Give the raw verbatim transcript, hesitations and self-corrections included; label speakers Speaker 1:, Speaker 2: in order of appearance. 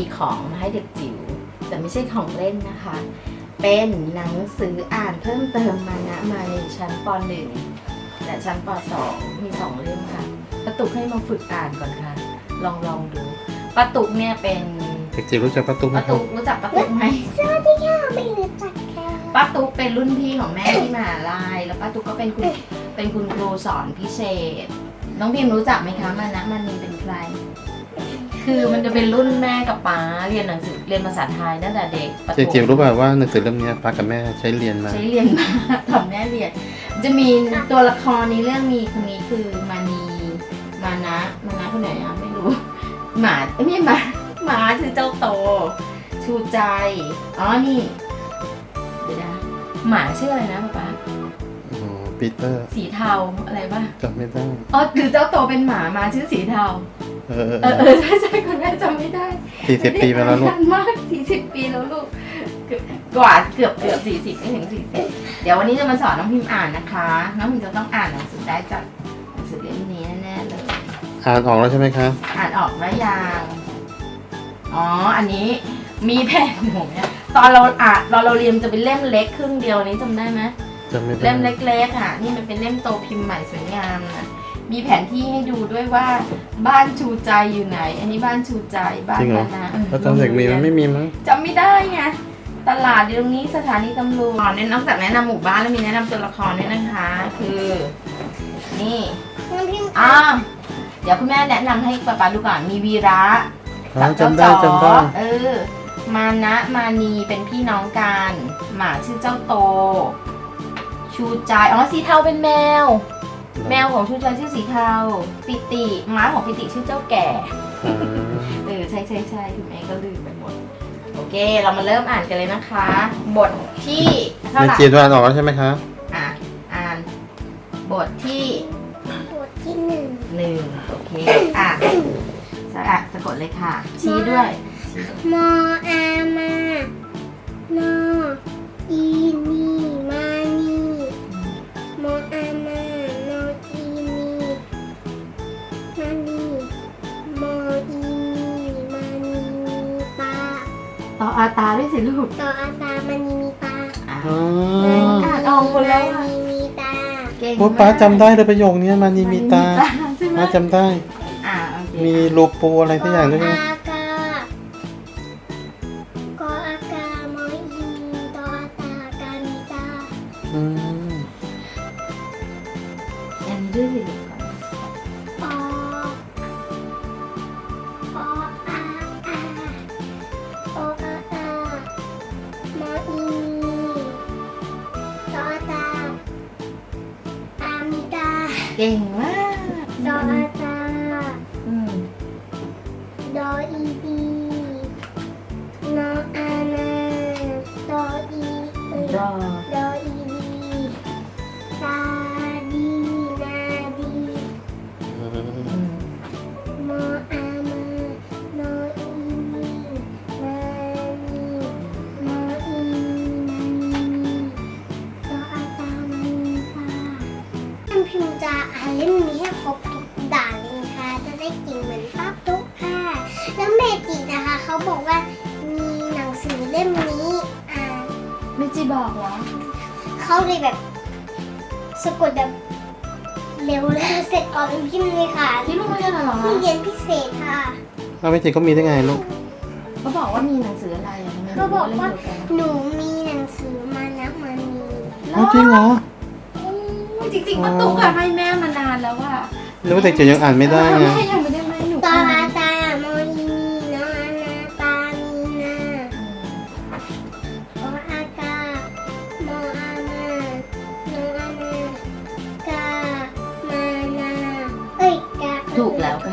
Speaker 1: ของมาให้เด็กจิ๋วแต่ไม่ใช่ของเล่นนะคะ เป็นหนังสืออ่านเพิ่มเติมมานะมาในชั้นป .หนึ่ง และชั้นป .สอง มีสองเล่มค่ะป้าตุกให้มาฝึกอ่านก่อนค่ะ ลองลองดูป้าตุกเนี่ยเป็น
Speaker 2: เด็กจิ๋วรู้จักป้าตุ๊กไหม
Speaker 1: ป้า
Speaker 2: ครั
Speaker 1: ตุ
Speaker 2: บ
Speaker 1: กรู้จักป้าตุกไหม
Speaker 3: สวัสดีค่ะไม่รู้จักค่ะ
Speaker 1: ป้าตุกเป็นรุ่นพี่ของแม่ที่มหาลัยแล้วป้าตุกก็เป็นคุณเป็นคุณครูสอนพิเศษ น้องพิมรู้จักไหมคะมานะมันนีเป็นใคร คือมันจะเป็นรุ่นแม่กับป๊าเรียนหนังสือเรียนภาษาไทยตั้งแต่เด็กประถม
Speaker 2: เด็กจิ๋วรู้ป่าวว่าหนังสือเล่มนี้ป้ากับแม่ใช้เรียนมา
Speaker 1: ใช้เรียนมาทำแม่เรียน จะมีตัวละครในเรื่องมีคนนี้คือมานีมานะมานะคนไหนอะไม่รู้ หมาเอ้ยไม่ใช่หมาหมาชื่อเจ้าโต ชูใจอ๋อนี่เดี๋ยวนะหมาชื่ออะไรนะป๊าป๊า
Speaker 2: โอ้ปีเตอร์
Speaker 1: สีเทาอะไรป่ะ
Speaker 2: จำไม่ได้
Speaker 1: อ๋อหรือเจ้าโตเป็นหมามาชื่อสีเทา
Speaker 2: เออเออ
Speaker 1: เออเออใช่ใช่คุณแม่จำไม่ได้
Speaker 2: สี่สิบปีไปแล้วลูก
Speaker 1: นานมากสี่สิบปีแล้วลูกเกือบกว่าเกือบเกือบสี่สิบไม่ถึงสี่สิบเดี๋ยววันนี้จะมาสอนน้องพิมพ์อ่านนะคะ น้องพิมพ์จะต้องอ่านหนังสือได้จากหนังสือเล่มนี้แน่ๆเลย
Speaker 2: อ่านออกแล้วใช่ไหมคะ
Speaker 1: อ่านออกไหมยังอ๋ออันนี้มีแผ่นหนูเนี่ยตอนเราอ่านตอนเราเรียนจะเป็นเล่มเล็กครึ่งเดียวนี้จำได้ไหม
Speaker 2: จำไม่ได้
Speaker 1: เล่มเล็กๆอ่ะนี่มันเป็นเล่มโตพิมพ์ใหม่สวยงามนะมีแผนที่ให้ดูด้วยว่าบ้านชูใจอยู่ไหน อันนี้บ้านชูใจบ้าน
Speaker 2: จริงเหรอ
Speaker 1: มานะ
Speaker 2: แล้วตอนเด็กมีมันไม่มีมั้ง
Speaker 1: จำไม่ได้ไงตลาดอยู่ตรงนี้สถานีตำรวจเนี่ยนอกจากแนะนำหมู่บ้านแล้วมีแนะนำตัวละครด้วยนะคะ คือ นี่
Speaker 3: น้องพิมพ์
Speaker 1: อ่าเดี๋ยวคุณแม่แนะนำให้ป๊าป๊าดูก่อนมีวีระ
Speaker 2: อ๋อ
Speaker 1: กับเจ้า
Speaker 2: จำได้
Speaker 1: จ๋อ
Speaker 2: จำได้
Speaker 1: เออมานะมานีเป็นพี่น้องกันหมาชื่อเจ้าโต ชูใจอ๋อสีเทาเป็นแมว แมวของชูใจชื่อสีเทาปิติม้าของปิติชื่อเจ้าแก่
Speaker 2: อ่า
Speaker 1: เออใช่ใช่ใช่คุณแม่ก็ลืมไปหมดโอเคเรามาเริ่มอ่านกันเลยนะคะ บทที่เท่า
Speaker 2: เด็
Speaker 1: ไห
Speaker 2: ก
Speaker 1: ร่
Speaker 2: จิ๋วอ่านออกแล้วใช่ไหมคะ
Speaker 1: อ่ะอ่านบทที่
Speaker 3: บทที่หนึ่ง
Speaker 1: หนึ่งโอเคอ่ะสระสะกดเลยค่ะ ชี้ด้วย
Speaker 3: มออามานออีนีมานีมออามานออีนีมานีมออีนีมานีมีตา
Speaker 1: ต่ออาตาด้วยสิลูก
Speaker 3: ต่ออาตามานีมีตา
Speaker 1: อ่ะ
Speaker 2: อ๋อ
Speaker 1: อ่านออกหมดแล้วอะ
Speaker 3: มานีมีตา
Speaker 1: เก่ง
Speaker 2: โอ้ป้าจำได้เลยประโยคนี้มันนี่มีตา
Speaker 1: ใช่ไหม
Speaker 2: ป้าจำได้
Speaker 1: อ่ะโอเค
Speaker 2: มีรูปูอะไรทุกอย่างด้วยใช่ไหม
Speaker 3: อากากออากามออีนีตออาตากามีตา
Speaker 2: อืม
Speaker 1: อันนี้ด้วยสิลูกก่อน
Speaker 3: ปอปออาอาปออาอามออีนีตออาตาอามีตา
Speaker 1: เก่งมาก
Speaker 3: ดออาตา
Speaker 1: อืม
Speaker 3: ดออีดีนออานาดออีเอ้ย
Speaker 1: รอ
Speaker 3: ดออีดีตาดีนาดี
Speaker 2: อืม
Speaker 1: อืม
Speaker 3: มออามานออีนีมานีมออีนีมานีดออาตามานีตาท่านพิมพ์จะอ่านเล่มนี้ให้ครบทุกด่านเลยนะคะจะได้เก่งเหมือนป้าตุ๊กค่ะ แล้วเมจินะคะเขาบอกว่ามีหนังสือเล่มนี้อ่าน
Speaker 1: ไม่จีบอกเหรอ
Speaker 3: เขาเลยแบบสะกดแบบเร็วเลยเสร็จก่อนเป็นพิมพ์เลยค่ะ
Speaker 1: ที่ลูกไม่ได้เหรอ
Speaker 3: ที่เรียนพิเศษค่ะ
Speaker 2: เอาไม่จริงก็มีได้ไงลูก
Speaker 1: เขาบอกว่ามีหนังสืออะไรอะทำไม
Speaker 3: เขาบอกว่า
Speaker 1: เล่นเดียกัน
Speaker 3: หนูมีหนังสือมานะมานี
Speaker 2: เอาจริงเหรอ
Speaker 1: โอ้ยจริงๆป้าตุ๊กอะให้แม่มานานแล้วว่า
Speaker 2: หรือว่าเด็กจิ๋วยังอ่านไม่ได้ไง
Speaker 1: แม่ยังไม่ได้ให้หนู
Speaker 3: ตอ
Speaker 1: อ่า
Speaker 3: อาน ตามออีนีนออานาตามีนาอออากามออามานออานากามานาเอ้ยกา
Speaker 1: ถูกแล้วค่ะ